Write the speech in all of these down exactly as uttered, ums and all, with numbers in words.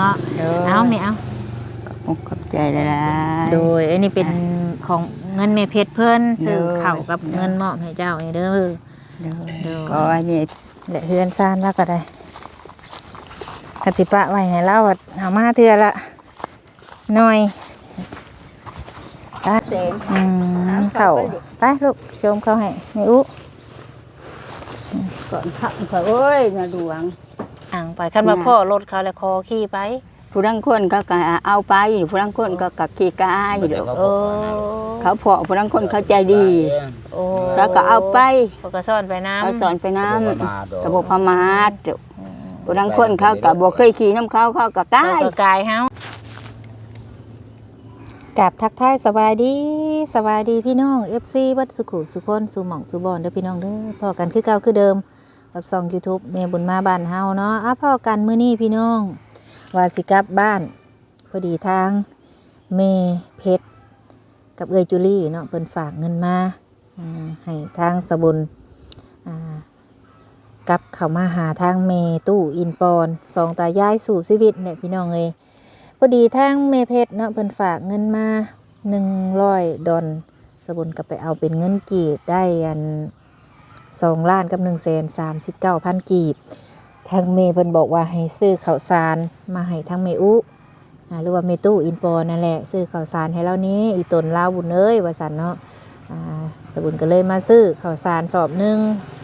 ะเอาแม่เอาขอบใจละลายโดยอันนี้เป็นของเงินแม่เพชรเพิ่นซื้อข้าวกับเงินมอบให้เจ้านี่เด้อโดยก็อันนี้และเฮือนซ่านแล้วก็ได้กสิปะไว้ให้เราเอามาเทื่อละหน่อยไปอืมเข้าไปลูกชมเขาให้แม่อุ๊ก่อนขับเขาเอ้ยนาดวงอ่างไปคันว่าพ่อรถเขาแล้วคอขี่ไปผู้ดังคนเขาก็เอาไปผู้ดังคนก็กับขี่กายอยู่โอ้เขาพอผู้ดังคนเขาใจดีโอ้เขาก็เอาไปเขาก็สอนไปน้ำเขาสอนไปน้ำกระบอกพม่าผู้ดังคนเขาก็บอกเคยขี่น้ำเขาเขาก็กายกายเฮากับทักทายสบายดีสบายดีพี่น้อง เอฟ ซี วัดสุขุสุคนสุหม่องสุบอนเด้อพี่น้องเด้อพอกันคือเก่าคือเดิมกับซอง YouTube แม่บุญมาบ้านเฮาเนาะอ่ะพอกันมื้อนี้พี่น้องว่าสิกลับบ้านพอดีทางแม่เพชรกับเอื้อยจุลี่เนาะเพิ่นฝากเงินมาอ่าให้ทางสบุญอ่ากลับเข้ามาหาทางแม่ตู้อินปอนสองตายายสู่ชีวิตเนี่ยพี่น้องเอ้ยพอดีทางแม่เพชรเนาะเพิ่นฝากเงินมาหนึ่งร้อยดอลสบุญก็ไปเอาเป็นเงินกีบได้อันสองล้านกับหนึ่งแสนสามสิบเก้าพันกีบทางเมย์เพิ่นบอกว่าให้ซื้อข้าวสารมาให้ทางเมอุหรือว่าเมตู้อินปอนั่นแหละซื้อข้าวสารให้เรานี้อีตนลาวบุญเอ้ยว่าสันเนาะตะบุญก็เลยมาซื้อข้าวสารสอบหนึ่ง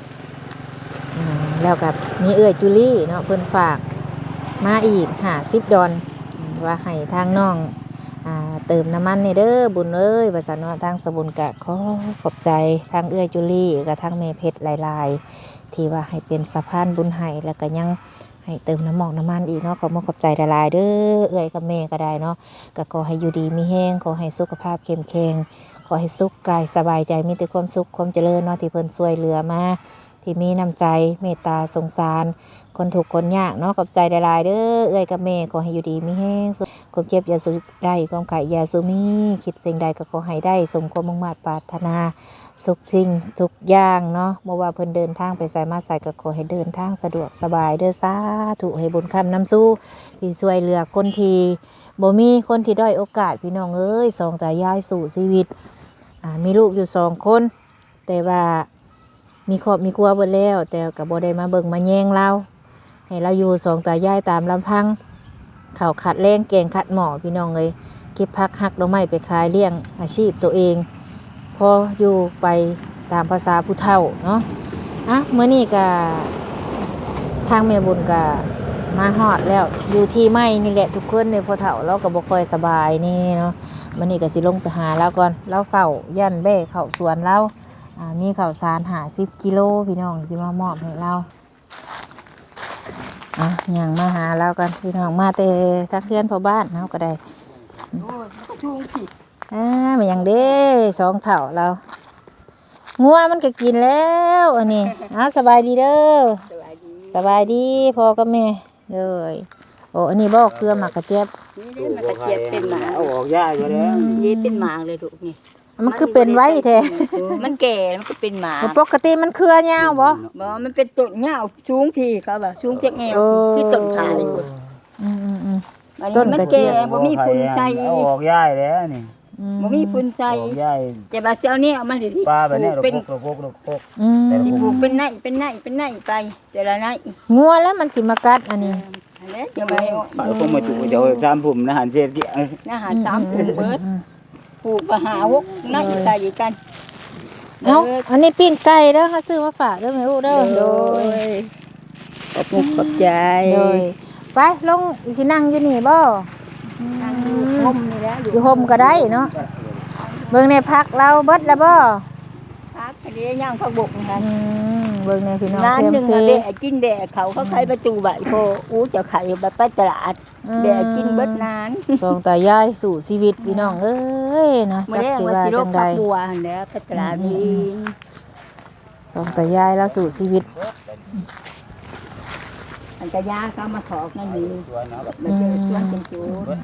แล้วกับมีเอื้อยจุลี่เนาะเพิ่นฝากมาอีกหาสิบดอนว่าให้ทางน้องเติมน้ำมันในเด้อบุญเอ้ยว่าสันเนาะทางสบุญกะขอขอบใจทางเอื้อยจุลี่กับทางเมเพชรหลายๆที่ว่าให้เป็นสะพานบุญให้แล้วก็ยังให้เติมน้ำหมอกน้ำมันอีกเนาะขอมขอบใจหลายๆเด้อเอื้อยกับแม่ก็ได้เนาะก็ขอให้อยู่ดีมีแห้งขอให้สุขภาพเข้มแข็งขอให้สุขกายสบายใจมีแต่ความสุขความเจริญเนาะที่เพิ่นช่วยเหลือมาที่มีน้ำใจเมตตาสงสารคนถูกคนยากเนาะขอบใจหลายๆเด้อเอื้อยกับแม่ขอให้อยู่ดีมีแห้งความเจ็บอย่าสุได้ความไข่อย่าสุมีคิดสิ่งใดก็ขอให้ได้สมความมุ่งมั่นปรารถนาสุขสิ่งทุกอย่างเนาะเมื่อว่าเพิ่นเดินทางไปใส่มาใส่ก็ขอให้เดินทางสะดวกสบายเด้อสาธุให้บุญคำน้ำสู้ที่ช่วยเหลือคนที่บ่มีคนที่ด้อยโอกาสพี่น้องเอ้ยสองตายายสู่ชีวิตอ่ามีลูกอยู่สองคนแต่ว่ามีครอบมีครัวเบิดแล้วแต่ก็บ่ได้มาเบิ่งมาแย่งเราให้เราอยู่สองตายายตามลำพังข้าวขัดแรงแกงขัดหม้อพี่น้องเอ้ยเก็บผักหักดอกไม้ไปขายเลี้ยงอาชีพตัวเองพออยู่ไปตามภาษาผู้เฒ่าเนาะอ่ะเมื่อนี้ก็ทางแม่บุญก็มาฮอดแล้วอยู่ที่ไม้นี่แหละทุกคนในพอเฒ่าเราก็บ่ค่อยสบายนี่เนาะเมื่อนี้ก็สิลงไปหาแล้วก่อนเราเฝ้ายันแบ่เข้าสวนเราอ่ามีข้าวสารห้าสิบกิโลพี่น้องสิมามอบให้เราอ่ะยังมาหาเรากันพี่น้องมาแต่ทักเพื่อนพ่อบ้านเนาะก็ได้อ่ามันยังเด้สองเถ่าเรางัวมันก็กินแล้วอันนี้อ้าวสบายดีเด้อสบายดีพ่อกับแม่เลยโอ้อันนี้บอกเกลือหมักกระเจี๊ยบนี่มันกระเจี๊ยบเป็นหมาเอาออกยากอยู่แล้วนี่เป็นหมาเลยลูกนี่มันคือเป็นไว้แท้มันแก่มันก็เป็นหมาปกติมันเครือยาวบ่บ่มันเป็นต้นยาวสูงพี่เขาบ่สูงเพียงแอวที่ต้นขายอืมๆๆต้นกระเจี๊ยบบ่มีฝุ่นใส่เอาออกย้ายแล้วนี่บ่มีฝุ่นใส่แต่บาเซียวนี่เอามาดิปลาแบบนี้เป็นกกกกอืมสิปลูกเป็นไนเป็นไนเป็นไนไปแต่ละไนงัวแล้วมันสิมากัดอันนี้อันนี้เดี๋ยวมาปลาคงมาจุเดี๋ยวสามผมนะหันเศษกี่อาหารสามผมเบิดปลูกมาหาวุกไนใส่กันเอ้าอันนี้ปิ้งไก่เด้อเขาซื้อมาฝากเด้อแม่อู้เด้อโดยขอบคุณขอบใจโดยไปลงสินั่งอยู่นี่บ่นั่งอยู่ห่มนี่แหละอยู่ห่มก็ได้เนาะเบิ่งในพักเราเบิดแล้วบ่พักอันนี้ย่างผักบุกนะคะเบิ่งในพี่น้องร้านนึงอะแบะกินแบะเขาเขาขายประตูใบโพอู้จะขายแบบไปตลาดแบะกินเบิดนานสองตายายสู่ชีวิตพี่น้องเอ้ยนะสักสิว่าจังได๋บัวหั่นแหละไปตลาดนี่สองตายายแล้วสู่ชีวิตอันกะยาเขามาถอกนั่นนี่มันเป็นชวนเป็นจูด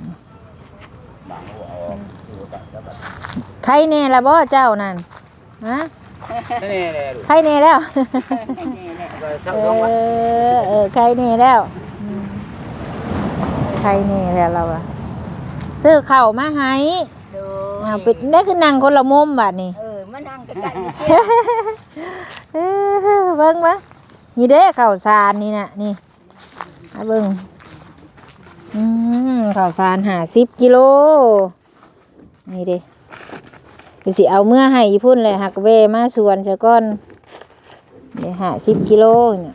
ใครแน่ล่ะบ่เจ้านั่นฮะใครแน่แล้วเออเออใครแน่แล้วใครนี่แหละเราอะซื้อข้าวมาให้โดยเอาไปได้คือนั่งคนละมุมบัดนี้เออมานั่งใกล้ๆเออเบิ่งมานี่เด้ข้าวสารนี่น่ะนี่มาเบิ่งอืมข้าวสารห้าสิบกิโลนี่เด้ไปสิเอาเมื่อให้อีพุ่นเลยหักเวมาสวนซะก่อนเดี๋ยวห้าสิบกิโลเนี่ย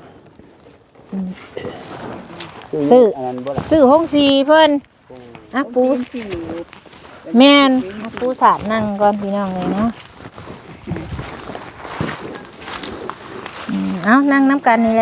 ซื้ออันนั้นบ่ล่ะซื้อห้องสีเพิ่นอ่ะปูแม่นอ่ะปูสาดนั่งก่อนพี่น้องเลยเนาะอืมเอานั่งน้ำกันนี่แหละ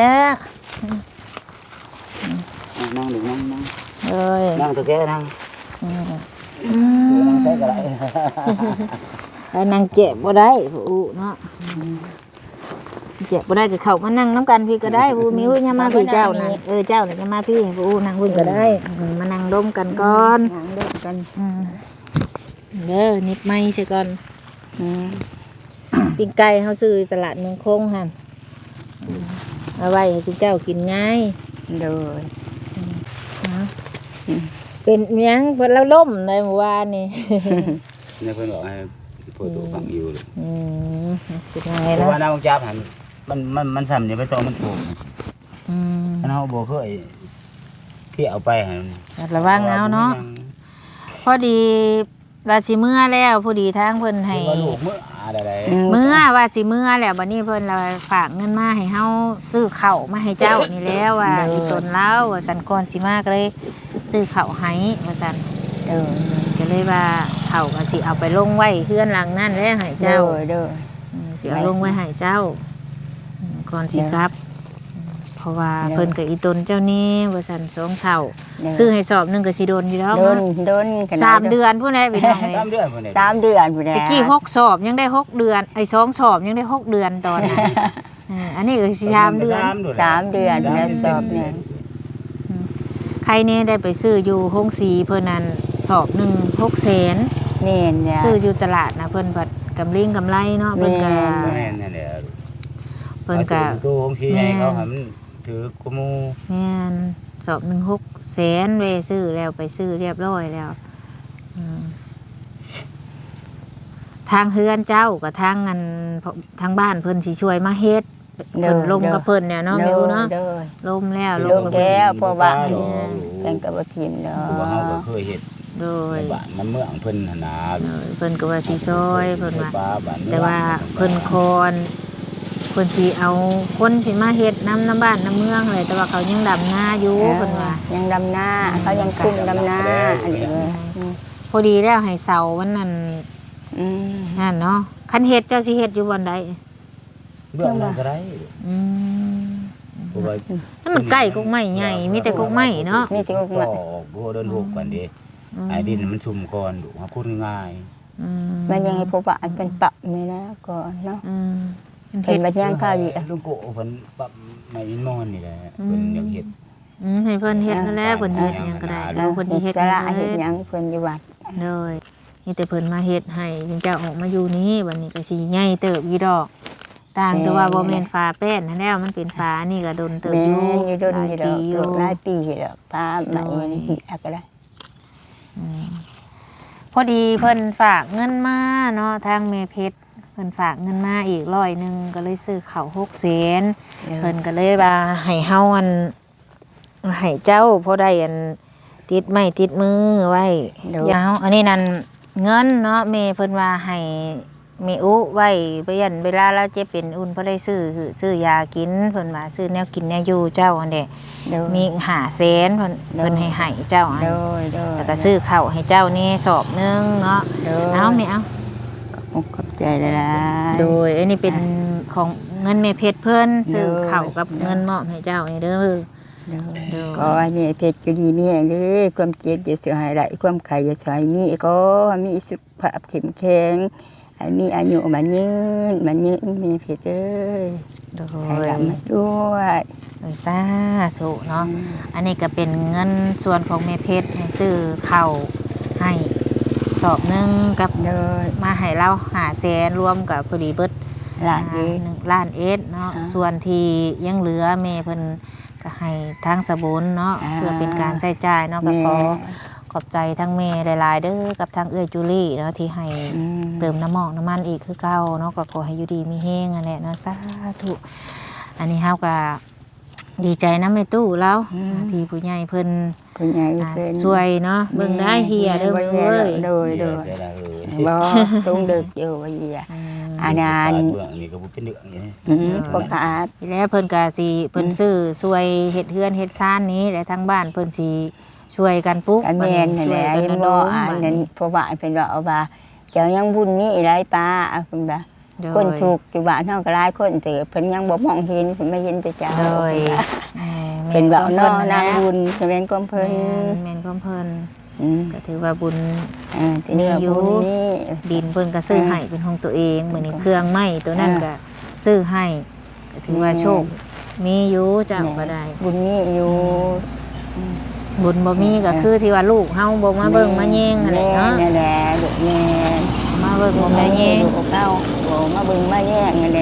นั่งดูนั่งนั่งเอ้ยนั่งตัวแกนั่งอืมนั่งใส่ก็ได้แล้วนั่งเจ็บบ่ได้ผู้เนาะเจ็บบ่ได้ก็เข้ามานั่งน้ำกันพี่ก็ได้ผู้มิวอย่ามาพี่เจ้านั่นเออเจ้าน่ะอย่ามาพี่ผู้นั่งพุ่นก็ได้อืมมานั่งดมกันก่อนนั่งด้วยกันอืมเด้อนิดไม้ใช่ก่อนอืมปิ้งไก่เฮาซื้อตลาดเมืองคงหั่นอืมเอาไว้ให้เจ้ากินง่ายโดยนะเป็นหยังเพิ่นแล้วล่มในเมื่อวานนี่เนี่ยเพิ่นบอกให้พูดตัวฟังอยู่เลยอืมเป็นไงเพราะเนาะว่าน้ำจับหันมันมันมันซ้ำเนี่ยไปตองมันโผล่อืมอันเฮาบ่เคยที่เอาไปหันระวังเอาเนาะพอดีว่าสิเมื่อแล้วพอดีทางเพิ่นให้ให้ว่าลูกมื้ออะไรเมื่อว่าสิเมื่อแล้วบัดนี้เพิ่นเราฝากเงินมาให้เฮาซื้อข้าวมาให้เจ้านี่แล้วว่าอีตนแล้วว่าสันก่อนสิมาก็เลยซื้อข้าวให้ว่าซั่นโดยก็เลยว่าข้าวก็สิเอาไปลงไว้เฮือนหลังนั่นแล้วให้โดเจ้ายโดยอืมสิเอาลงไว้ให้เจ้าอืมก่อนสิครับอืมเพราะว่าเพิ่นกับอีตนเจ้านี่ว่าซั่นสองเท่าซื้อให้สอบหนึงก็สิโดนอยู่แล้วโดนเนาะโดนขนาดสามเดือนพุ่นแหละพี่น้องเอ้ยสามเดือนพุ่นนี่สามเดือนพุ่นแหละตะกี้หกสอบยังได้หกเดือนไอ้สองสอบยังได้หกเดือนตอนนั้นเอออันนี้ก็สิสามเดือนสามเดือนแล้วสอบเนี่ยใครเนี่ยได้ไปซื้ออยู่ห้องสีเพิ่นนั้นสอบหนึ่งหกแสนเน่นเนี่ยซื้ออยู่ตลาดนะเพิ่นผัดกำลิงกำไรเนาะเพิ่นก็แม่นนั่นแหละเพิ่นก็ตัวของสีให้เขาให้มันถือกระมูแม่นสอบหนึ่งหกแสนเวซื้อแล้วไปซื้อเรียบร้อยแล้วอืมทางเฮือนเจ้ากับทางอันทางบ้านเพิ่นสิช่วยมาเฮ็ดเพิ่นลมกับเพิ่นเนี่ยเนาะมิวเนาะโดยลมแล้วลลงมกับแก้เพิ่นวเพราะว่าเป็นกระบทินเนาว่าเฮาก็ะเคยเฮ็ดโดยในบ้านมันเมืองเพิ่นหั่นน่ะเออเพิ่นก็ว่าสิซอยเพิ่นว่าป้บ้นเมืองแต่ว่าเพิ่นคอนเพิ่นสิเอาคนที่มาเฮ็ดน้ำน้ำบ้านน้ำเมืองเลยแต่ว่าเขายังดำนาอยู่เพิ่นว่ายังดำหน้าเขายังคุมดำหน้าอันนี้เลยพอดีแล้วให้เสาวันนั้นอืมนั่นเนาะคันเฮ็ดเจ้าสิเฮ็ดอยู่บ่อนใดเบื้องนั้นก็ได้อืมเพราะว่านั่นมันใกล้กกไม้ใหญ่มีแต่กกไม้เนาะมีที่ก็มาบ่เดินหกกันดิไอ้ดินมันชุ่มก่อนดูหาพูดง่ายอืมมันยังให้ผู้ว่าอันเป็นปรับนี่นะก่อนเนาะอืมเห็นบัดย่างข้าวดีลุงโกเพิ่นปรับไม่อินมอนนี่แหละเพิ่นอยากเฮ็ดอืมให้เพิ่นเฮ็ดนั่นแหละเพิ่นเฮ็ดหยังก็ได้แล้วเพิ่นสิเฮ็ดจะหละยังเฮ็ดเฮ็ดหยังเพิ่นอยู่วัดเลยนี่แต่เพิ่นมาเฮ็ดให้จึงจะออกมาอยู่นี้วันนี้ก็สิใหญ่เติบอีดอก ต่างแต่ว่าบ่แม่นฟ้าแป้นนั่นแล้วมันเป็นฟ้านี่ก็โดนเติบแม่อยู่อยู่ดนหลายอยู่ดปีอกอยู่หลายปีอยู่ดอกพามาเองหิอะก็ได้อืมพอดีเพิ่นฝากเงินมาเนาะทางแม่เพชรเพิ่นฝากเงินมาอีกร้อยหนึงก็เลยซื้อข้าวหกแสนเพิ่นก็เลยว่าให้เฮาอันให้เจ้าพอได้อันติดไม้ติดมือไว้ยาวอันนี้นั่นเงินเนาะแม่เพิ่นว่าให้แม่อุไว้ไปยันเวลาเราเจ็บเป็นอุ่นพอได้ซื้อซื้อยากินเพิ่นว่าซื้อแนวกินแนวอยู่เจ้าอันเด้มีห้าแสนเพิ่นเพิ่นให้ให้เจ้าอันโดยโดยแล้วก็ซื้อข้าวให้เจ้านี่สอบหนึงเนาะโดยเอาไม่เอาขอบใจเลยล่ะโดยอันนี้เป็นของเงินแม่เพชรเพิ่นซื้อข้าวกับเงินมอบให้เจ้านี่เด้อ โดยก็อันนี้เพชรก็ดีมีอย่างนี้ความเจ็บจะเสียหายหลายความไข่จะสายมีก็มีสุขภาพเข้มแข็งให้มีอายุมันยืนมันยืนมีเพชรเอ้ยโดให้ยรับมาด้วยโดยสาธุเนาะอันนี้ก็เป็นเงินส่วนของแม่เพชรให้ซื้อข้าวให้สอบหนึงกับโดยมาให้เราหาแสนรวมกับพอดีเบิดหลานดีหนึ่งล้านเอสเนาะอ่าส่วนที่ยังเหลือแม่เพิ่นก็ให้ทางสบุญเนาะอ่าเพื่อเป็นการใช้จ่ายเนาะก็แม่ขอขอบใจทั้งแม่หลายๆเด้อกับทางเอื้อจูลี่เนาะที่ให้อืมเติมน้ำหมอกน้ำมันอีกคือเก่าเนาะก็ขอให้อยู่ดีมีแห้งอันแหละเนาะสาธุอันนี้เฮาก็ดีใจนำแม่ตู้แล้วที่ผู้ใหญ่เพิ่นผู้ใหญ่อ่าเพิ่นช่วยเนาะเบิ่งได้เฮียเด้อบ่เว้ยโดยโดยเดี๋ยวเออบ่ต้องเด็กอยู่ว่าเหี้ยอืมอันนั้นเบื้องนี่ก็บ่เป็นเรื่องนี่อืมบ่ขาดทีแล้วเพิ่นก็สิเพิ่นซื้อช่วยเฮ็ดเฮือนเฮ็ดซ่านนี้และทางบ้านเพิ่นสิช่วยกันปลูกอันแม่นนั่นช่แหวยละกันเห็นระดบ่มอันบัดนั้นนี้เพราะว่าเพิ่นว่าเอาว่าเจ้ายังบุญนี้หลายปลาอ่ะเพิ่นว่าโดยคนถูกอยู่บ้านเฮาก็หลายคนแต่เพิ่นยังบ่มองเห็นเพิ่นไม่เห็นแต่เจ้าโดยเพิ่นว่าเนาะแม่นางบุญบุญจะเป็นของเพิ่เพิ่นนแม่นของเพิ่นอืมก็ถือว่าบุญอ่าที่นี่ว่าบุญนี้ดินเพิ่นก็ซื้อให้เป็นของตัวเองเหมือนในเครื่องไม้ตัวนั้นก็ซื้อให้ก็ถือว่าโชคมีอยู่เจ้าก็ได้บุญนี้อยู่บุญบ่มีก็คือที่ว่าลูกเฮาบ่มาเบิ่งมาแย่งนั่นแหละเนาะแม่นั่นแหละลูกแม่มาเบิ่งบ่มาแย่งลูกเก้าบ่มาเบิ่งมาแย่งนั่นแหละ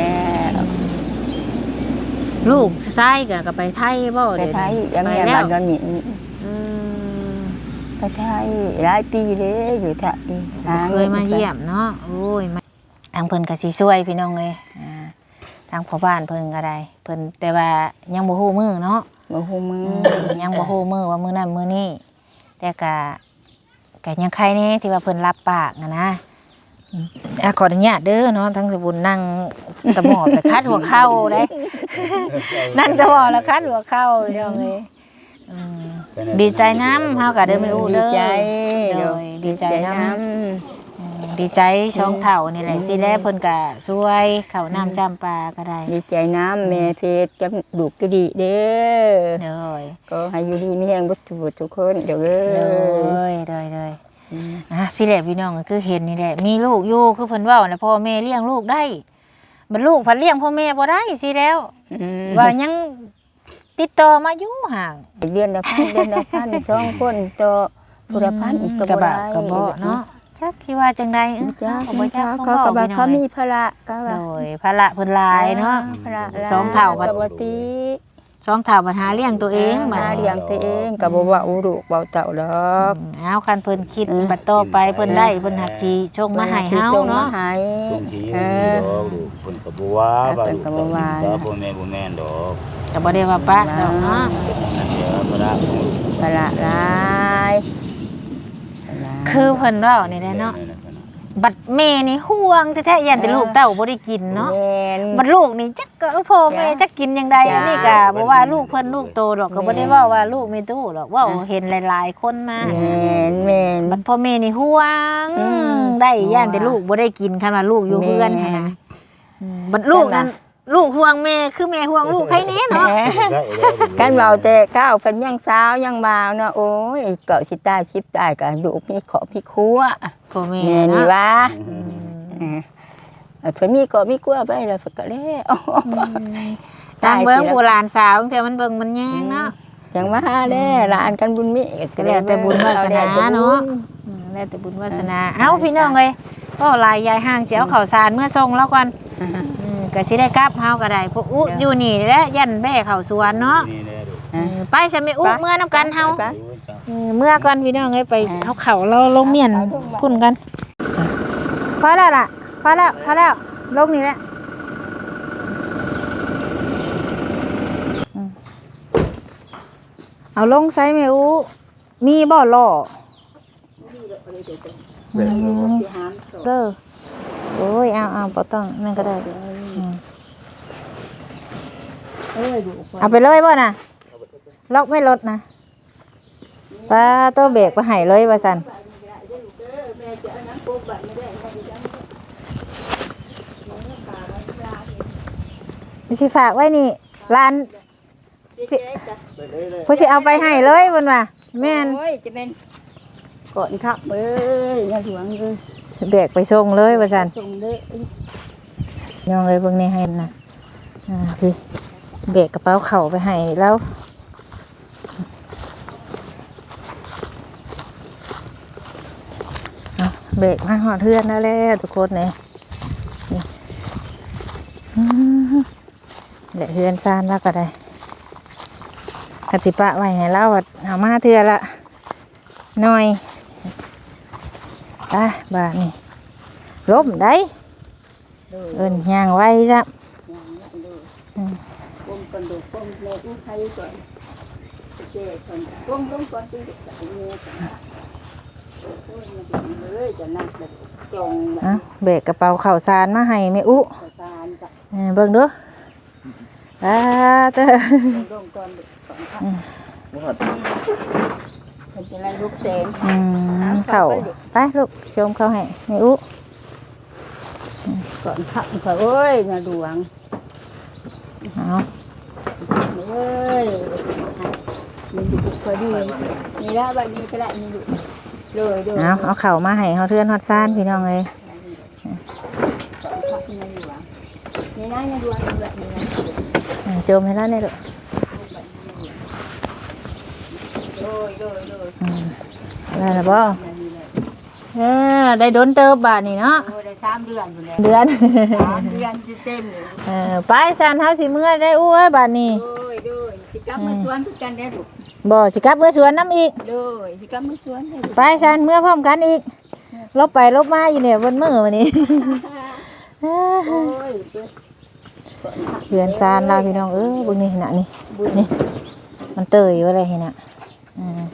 ลูกชายก็ก็ไปไทยบ่ไปเดี๋ยวไทยนี้ยังไปแม่แล้บ้าวนดอนนี้เออไปไทยหลายปีเลยอยู่ไทยหเคยมาเยี่ยมเนาะโอ้ยมาทางเพิ่นก็สิช่วยพี่น้องเอ้ยอ่าทางพ่อบ้านเพิ่นก็ได้เพิ่นแต่ว่ายังบ่ฮู้มื้อเนาะบ่ฮู้มือยังบ่ฮู้มื้อว่ามื้อนั้นมื้อนี้แต่ก็ก็ยังใครแน่ที่ว่าเพิ่นรับปากอะนะอืมอ่ะขออนุญาตเด้อเนาะทั้งสบุญนั่งตะหมอบไปคัดหัวเข่าเด้ นั่งตะหมอบแล้วคัดหัวเข่าพี่น้องเอ้ยอืมดีใจนำเฮาก็เด้อแม่อู้เด้อดีใจโดยดีใจนำำอืมดีใจช่องเฒ่านี่แหละสิแลเพิ่นก็ช่วยข้าวน้ำจำปาก็ได้ดีใจน้ำแม่เพชรกับลูกก็ดีเด้อเด้อก็ให้อยู่ดีมีแรงบุตรทุกคนเดี๋ยวเด้เด้ออเด้อเด้ออ่ะสิแหละพี่น้องก็คือเห็นนี่แหละมีลูกอยู่คือเพิ่นเว้าน่ะพ่อแม่เลี้ยงลูกได้บัดลูกเพิ่นเลี้ยงพ่อแม่บ่ได้สิแล้วอืมว่ายังติดต่อมาอยู่ห่างเดือนละพันเดือนละพันสองคนต่อผู้ละพันอืมก็กระบ่บะได้กระเบาะเนาะจักคิดว่าจังใดเอ้อจ้าก็บ่จักเขาเขาก็เว้าว่าพี่น้เขาองมีภาระก็โดว่ายภาระเพิ่นหลายเนาะภาระหลยสองเท่าบัดก็บ่ติสองเฒ่าปัญหาเลี้ยงตัวเองบัดหานี้เลี้ยงตัวเองก็บ่ว่าอุรุเบาเต่าดอกอืมเอาคันเพิ่นคิดเออบัดต่อไปเพิ่นได้เพิ่นหักสิชงมาให้เฮาส่งมาเนาะให้บางทีเอมีอดอกลูกเพิ่นก็บ่ว่าว่าลูกเพิ่นก็บ่ว่าก็บ่แม่นบ่แม่นดอกก็บ่ได้ว่าปะดอกเนาะนั่นเดี๋ยวบ่ได้ของลูกภาระหลายภาระคือเพิ่นเว้านี่แหละเนาะบัดแม่นี่ห่วงแท้ๆยันแต่ลูกเต้าบ่ได้กินเนาะแม่นบัดลูกนี่จักก็เออพ่อแม่จักกินจังไดจ้ะอันนี้ก็บ่ว่าลูกเพิ่นลูกโตดอกก็บ่ได้เว้าว่าลูกมีตู้ดอกเว้าเห็นหลายๆคนมาแม่นแม่นบัดพ่อแม่นี่ห่วงอืมได้ย่านแต่ลูกบ่ได้กินคันว่าลูกอยู่เฮือนหั่นนะอืมบัดลูกนั้นลูกห่วงแม่คือแม่ห่วงลูกใครแน่เนาะกันเบาแต่ข้าวเพิ่นยังสาวยังบ่าวเนาะโอ้ยเกาะสิตายชิบตายก็ลูกมีขอพี่ครัวพ่อแม่แม่นี่เนาะว่าอืมเออเพิ่นมีเกาะมีครัวไปแล้วเพิ่นก็แล้วทางเบิ่งโบราณสาวแต่มันเบิ่งมันแยงเนาะจังว่าแล้หลานกันบุญมีก็แล้วแต่บุญวาสนาเนาะ อืมแล้วแต่บุญวาสนาเอ้าพี่น้องเอ้ยก็ลายยายห่างสิเอาข้าวสารเมื่อส่งแล้วก่อนอืมก็สิได้กลับเฮาก็ได้พวกอุอยู่นี่แหละยันแบ่เข้าสวนเนาะนี่แหละลูกเออไปซะแม่อุเมื่อนํกันเฮาไปเออเมื่อก่อนพี่น้องเอ้ยไปเอาเข่าเราลงเมียนพุ่นกันพอแล้วล่ะพอแล้วพอแล้วลงนี่แหละอืมเอาลงไซแม่อูมีบ่ล่ออืมเด้อโอ้ยเอาเอาบ่ต้องนั่นก็ได้อืมเอาไปเลยบ่น่ะล็อกไม่ลดนะป้าตัวเบรกไปให้เลยว่าซั่นนี่สิฝากไว้นี่ร้านสิผู้สิเอาไปให้เลยเพิ่นว่าแม่นโอ้ยจะเป็นก่อนครับเอ้ยอย่าหลวงเลยเบรกไปส่งเลยว่าซั่นส่งเด้อน้องเอ้ยเบิ่งนี่ให้นะอ่าพี่เบรกกระเป๋าเข่าไปให้แล้วเอาเบรกมาหอดเทือนแล้วแหละทุกคนเนี่ยนี่อืมแหละเฮือนซานแล้วก็ได้กสิปะไว้ให้เราอะเอามาเทื่อละหน่อยอ่ะบาดนี่ล้มได้เอิ้นย่างไว้จ้ะอืมก้มก่อนดูก้มแม่อู้ใครก่อนเจ๊ก่อนก้มก้มก่อนตีเด็กใส่เงี้ยก่อนโอ้ยมันเลยจะนั่งแบบจงแบบอ่ะเบกกระเป๋าข้าวสารมาให้แม่อุประสานกับเออเบิ่งดูอ่าเด้อลงก่อนก่อนค่ะบ่ฮอดมันจะไล่ลูกเสงอืมเข้าไปลูกชมเข้าให้แม่อุก่อนขับค่ะเอ้ยนาดวงเอาเอ้ยมันอยู่พอดีนี่ละใบนี้ก็ได้นี่ดูเลยเลยเอาเอาเข่าวมาให้เขาเทือนฮอดซ่านพี่น้องเลยก่อนขับนาดวงนี่นะนาดวงแบบนี้นะอืมโจมให้แล้วเนี่ยลูกเลยเลยเลยอืมได้แล้วบ่เออได้โดนเติบบาทนี่เนาะโอ้ได้สามเดือนอยู่แล้วเดือนสามเดือนเต็มเลยเออไปซ่านเฮาสิเมื่อได้อู้เอ้ยบาทนี้โอ้ยโดยสิกลับมาสวนทุกกันได้ลูกบ่สิกลับเมื่อสวนน้ำอีกโดยสิกลับมาสวนให้ลูกไปซ่านเมื่อพร้อมกันอีกลบไปลบมาอยู่เนี่ยบนมือวันนี้โอ้ยเพื่อนซ่านเราพี่น้องเออเบิ่งนี่น่ะนี่นี่มันเตยอยู่อะไรเห็นน่ะอืม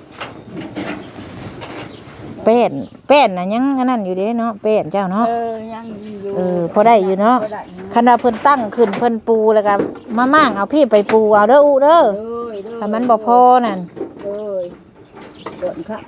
เป็ดเป็ดน่ะยังอันนั้นอยู่เด้เนาะเป็ดเจ้าเนาะเออยังอยู่เออพอได้อยู่เนาะพอได้อยู่ขณะเพิ่นตั้งขึ้นเพิ่นปูแล้วก็มาม่างเอาพี่ไปปูเอาเด้ออูเด้อโดยโดยถ้ามันบ่พอนั่นโดยโดนครับ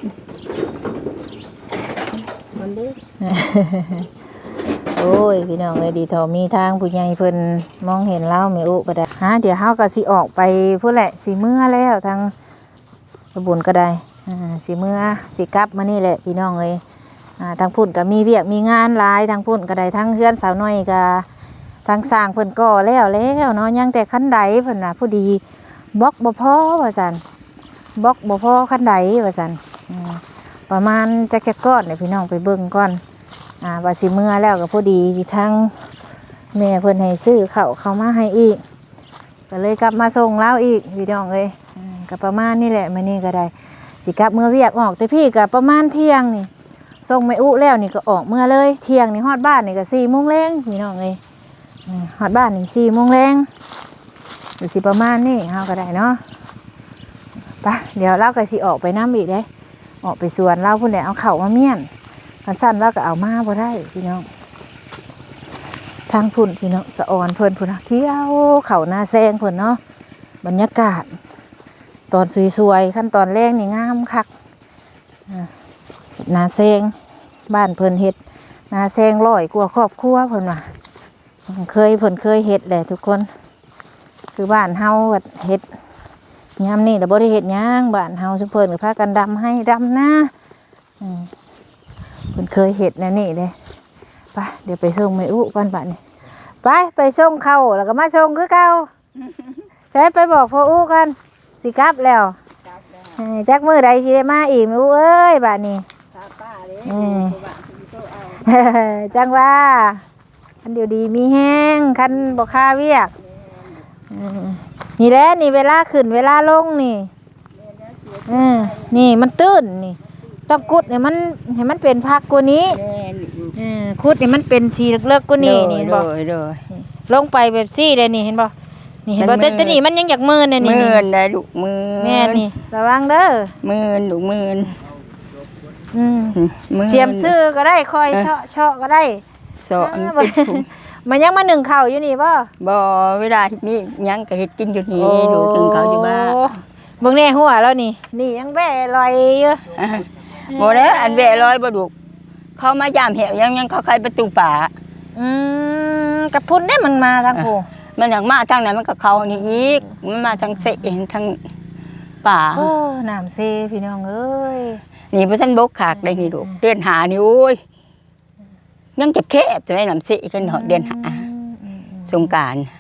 มันเด้อโอ้ยพี่น้องเอ้ยดีเท่ามีทางผู้ใหญ่เพิ่นมองเห็นเราแม่อุก็ได้ฮะเดี๋ยวเฮาก็สิออกไปพุ่นแหละสิเมื่อแล้วทางตำบลก็ได้อ่าสิเมื่อสิกลับมานี่แหละพี่น้องเอ้ยอ่าทางพุ่นก็มีเวียกมีงานหลายทางพุ่นก็ได้ทั้งเฮือนสาวน้อยก็ทางสร้างเพิ่นก่อแล้วแล้วเนาะยังแต่คันใดเพิ่นน่ะผู้ดีบล็อกบ่พอว่าซั่นบล็อกบ่พอคันใดว่าซั่นอืมประมาณจักจักก้อนเนี่ยพี่น้องไปเบิ่งก่อนอ่าว่าสิเมื่อแล้วก็พอดีที่ทางแม่เพิ่นให้ซื้อข้าวเข้ามาให้อีกก็เลยกลับมาส่งแล้วอีกพี่น้องเอ้ยอืมก็ประมาณนี้แหละมื้อนี้ก็ได้สิกลับเมื่อเวียกออกแต่พี่ก็ประมาณเที่ยงนี่ส่งแม่อุแล้วนี่ก็ออกเมื่อเลยเที่ยงนี่ฮอดบ้านนี่ก็สี่โมงแลงพี่น้องเอ้ยอืมฮอดบ้านนี่สี่โมงแลงหรือสิประมาณนี้เฮาก็ได้เนาะไปเดี๋ยวเราก็สิออกไปน้ำอีกเด้ออกไปสวนเราพุ่นแหละเอาข้าวมาเมี่ยนกันสั้นเราก็เอามาบ่ได้พี่น้องทางพุ่นพี่น้องสะออนเพิ่นพุ่นน่ะเขียวเขาหน้าแซงเพิ่นเนาะบรรยากาศตอนสวยๆขั้นตอนแรกนี่งามคักอ่าหน้าแซงบ้านเพิ่นเฮ็ดหน้าแซงร้อยกว่าครอบครัวเพิ่นว่าเคยเพิ่นเคยเฮ็ดแหละทุกคนคือบ้านเฮาว่าเฮ็ดยามนี้แต่บ่ได้เฮ็ดหยังบ้านเฮาซุเพิ่นก็พากันดำให้ดำนาอืมเพิ่นเคยเฮ็ดแนวนี้เด้ไปเดี๋ยวไปส่งแม่อุก่อนบัดนี้ไปไปส่งเข้าแล้วก็มาส่งคือเก่าใช้ไปบอกพ่ออุกันสิกลับแล้วจับแล้วเอ้ยจักมื้อใดสิได้มาอีกแม่อุเอ้ยบัดนี้ตาป้าเด้อืมตัวบ้านที่โตเอาจังว่าคันเดี๋ยวดีมีแห้งคันบ่ค่าเวียกอืมนี่แหละนี่เวลาขึ้นเวลาลงนี่เออนี่มันตื้นนี่ต้องกุดให้มันให้มันเป็นพักกว่านี้แม่นเออคุดให้มันเป็นสีเลิกๆกว่านี้นี่เห็นบ่โดยโดยลงไปแบบซี่เลยนี่เห็นบ่นี่เห็นบ่มันมืแต่ดแต่นี่มันยังอยากมืนเนี่ยนี่มื่นได้ลูกมื่นแม่นี่ระวังเด้อมื่นลูกมื่นอืมมื่นเสียมซื้อก็ได้คอยเชาะเชาะก็ได้สอนอ่าเป็นถุงมันยังมาหนึ่งเข่าวอยู่นี่บ่บ่เวลานี้ยังก็เฮ็ดกินอยู่นี่ลูกถึงเขาอยู่บ้านโอ้เบิ่งแน่หัวแล้วนี่ นี่ยังแบ่ลอยอยู่อ่ะบ่แล้วอันแวะร้อยบ่ลูกเขามายามแหวยังยังเขาใครประตูป่าอืมกับพุ่นได้มันมาทางผู้มันอยากมาทางไหนมันก็เขานี่อีกมันมาทางเสเองทางป่าโอ้น้ำเซพี่น้องเอ้ยนี่บ่ทันบกขากได้นี่ลูกเดือนหานี่โอ้ยยังเจ็บแคบจะได้น้ำเสกันเดือนหาอืมอืมสงกรานต์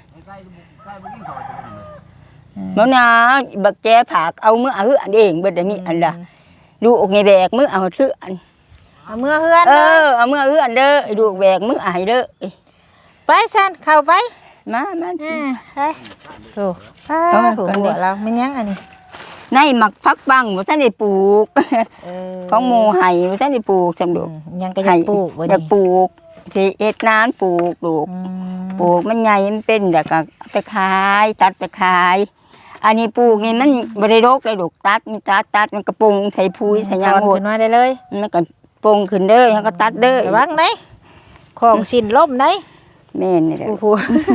มื้อนาบักแจผากเอามือเอาอันเองเบิดอันนี้อันละดูอกในแบกมือเอาถืออันเอาเมื่อเฮือนเอเลยอเอามือเอาอันเด้อไอ้ดูแบกมืออายเด้อเอ้ยไปซันเข้าไปมามาอ่าไปโอ้เอามาถูกก่อนดิหัวเราไม่ยั้งอันนี้ในหมักพักบังบ่ทันได้ปลูกเออของหมู่ไห้บ่ทันได้ปลูกจำอืดูมยังก็อยากปลูกบ่อยากนี่ปลูกที่เอ็ดนานปลูกลูกอืมปลูกมันใหญ่มันเป็นเดี๋ยวก็เอาไปขายตัดไปขาย อันนี้ปลูกนี่มันบ่ได้รกเลยลูกตัดมีตัดตัดมันกระปงใส่ปุ๋ยใส่หยังถอนหมดขึ้นมาได้เลยมันก็ปงขึ้นเด้อแล้วก็ตัดเด้อระวังได้ของสินล่มได้แม่นนี่แหละโอ้โห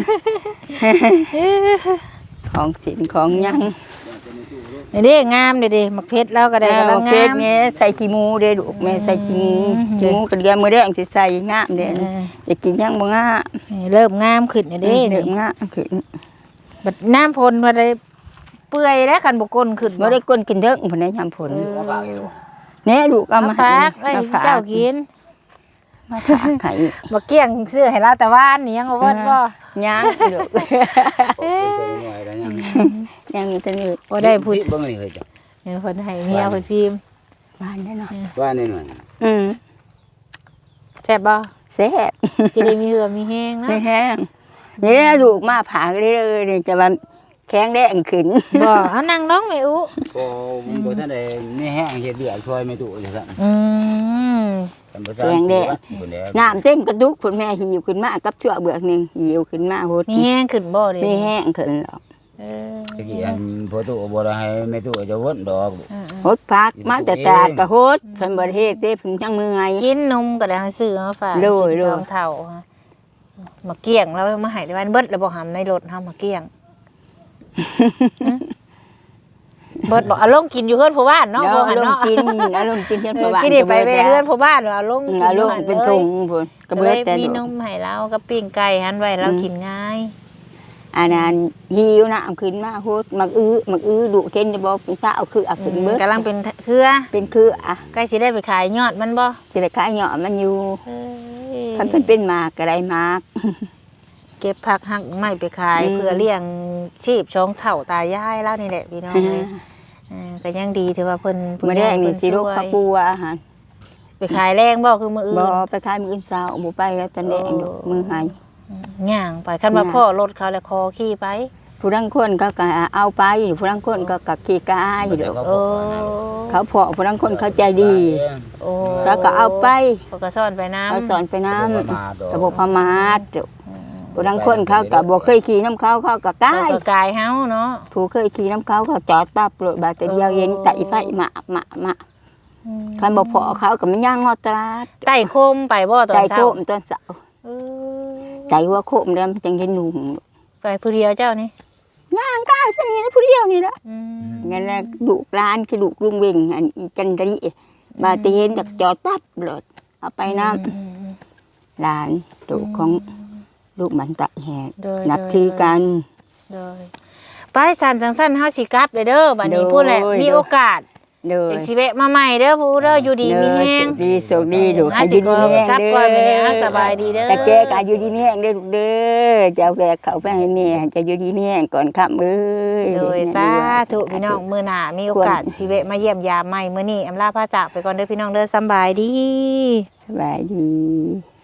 ของสินของหยังนี่เด้งามเด้เด้มักเพชรแล้วก็ได้กำลังเองามนี่ใส่ขี้หมูเด้อลูกแม่ใส่ขี้หมูอืมขี้หมูกระเดียมมื้อแดงสิใส่งามเด้อเออจะกินหยังบ่งามนี่เริ่มงามขึ้นนี่เด้เด้นี่งามขึ้นบัดน้ำพลมาได้เปื่อยแล้วกันบ่ก้นขึ้นบ่ได้ก้นกินเด้อพุ่นได้ยามผลเอาปากอยู่แน่ลูกเอาเอามาฝากไอ้มฝเจ้ากินมาฝากให้บ่เกี้ยงซื้อให้เราแต่ว่านนี่ยังบ่เบิดบ่ยังลูกโอ้ยตัวน้อยแล้วยังยังมีแต่นี่บ่ได้พูดสิเบิ่งนี่เคยจ้ะเออเพิ่นให้เมียเพิ่นซิมบ้านแน่นอนว่าแน่นอนอืมแซ่บบ่แซ่บสิได้มีเหือมีแห้งนะไม่แห้งนี่ลูกมาผ่าเลยนี่จะว่าแข็งแดงขึ้นบ่เอานั่งน้องแม่อุก็บ่ทันได้มีแห้งเฮ็ดเบียกช่วยไม่ตุจังซั่นอืมกันบ่ทันสิว่าคนแล้วน้ำเต็มกระดุกคุณแม่หิวขึ้นมากับเชือกเบือกหนึงหิวขึ้นมาโหดมีแห้งขึ้นบ่เด้ไม่แห้งขึ้นหรอกเออตะกี้อันพอตุบ่ได้ให้แม่ตุจะวนดอกเออโหดพักมาแต่ตาดกระโหดเพิ่นบ่ได้เฮ็ดเด้เพิ่นจังมือไงๆกินนมก็ได้ให้ซื้อมาฝากโดยกินโดยสองเท่าฮะมาเกี้ยงแล้วมาให้ได้วันเบิดแล้วบ่หำในรถเฮามาเกี้ยง เบิดบอกเอาลงกินอยู่เฮือนผู้บ้านเนาะเนาะบ่หันลงเนาะกินเอาลงกินเพิ่นเอประอวัติกินได้ไปไปเฮือนผู้บ้านเอาลงกินเอาลงอยู่หั่เป็นลยถุงพุ่นกก็ระเลเบิดยแต่มีนลูกมให้เรากับปิ้งไก่หันไว้เรากินง่ายอันนั้นหิวน้ำขึ้นมาโหดมักอื้อมักอื้อดุเข็นจะบ่เป็นตาเอาคือเอาขึ้นเบิดกำลังเป็นเครือเป็นคืออ่ะใกล้สิได้ไปขายยอดมันบ่สิได้ขายเหยาะมันอยู่เอ้ยคันเพิ่นเป็นหมากก็ได้หมากเก็บผักหักไม้ไปขายอืมเพื่อเลี้ยงชีพช่องเฒ่าตายายแล้วนี่แหละพี่น้องเอ้ยเออก็ยังดีที่ว่าเพิ่นผู้มาใหได้ญ่มีเพิ่นสิลูกช่วยพักปูอาหารไปขายแรงบ่คือมื้ออื่บ่นไปขายมืออื่นเช้าบ่ไปแล้วตอนแดงดอกมือหายย่างไปคันว่าย่างพ่อรถเขาแล้วคอขี่ไปผู้รังคนก็ก็เอาไปผู้รังคนก็กับขี้กายดอกโอ้เขาพอผู้รังคนเขาใจดีโอ้ก็ก็เอาไปเขาก็ซ่อนไปน้ำเขาสอนไปน้ำกกระบอกพมาดดอกผู้รังคนเขาก็บ่เคยขี่น้ำเขาเขาก็กาเขายก็กายเฮาเนาะผู้เคยขี่น้ำเขาเขาจอดปั๊บรถบาดแต่เดียวเย็นไตไฟมามามาคันบ่พอเขาก็มันย่างงอตราดไต่โคมไปบ่ตอนใจเช้าโคมตอนเช้าเออใจหัวโคมแล้วมันจังเห็นหนุ่มไปผู้เดียวเจ้านี่ย่างกายเป็นอย่างนี้ผู้เดียวนี่ละอืมงั้นแหละดุร้านคือดุลุงเวงอันอีจันทรีบาดแต่เห็นจากจอดปั๊บรถเอาไปน้อืมำร้านดุของลูกมันตะแหกโดยนับถือกันโดยไปสันจังสั้นเฮาสิกลับเลยเด้อบัดนี้โดยพูดแหละมีโอกาสเด้อจังสิแวะมาใหม่เด้อผู้เด้ออยู่ดีมีแฮงดีโชคดีดุอาอาสิยุดีมีแห้งกลับเด้ก่อนไปเลยอ่ะสบายดีเด้อแต่แกก็อายุดีมีแห้งเด้อลูกเด้อจะเอาแบกเขาไปให้แม่จะอายุดีมีแห้งก่อนค่ำเอ้ยโดยสาธุพี่น้องมื้อหน้ามีโอกาสสิแวะมาเยี่ยมยามใหม่มื้อนี้อำลาพระจากไปก่อนเด้อพี่น้องเด้อสำบายดีสบายดี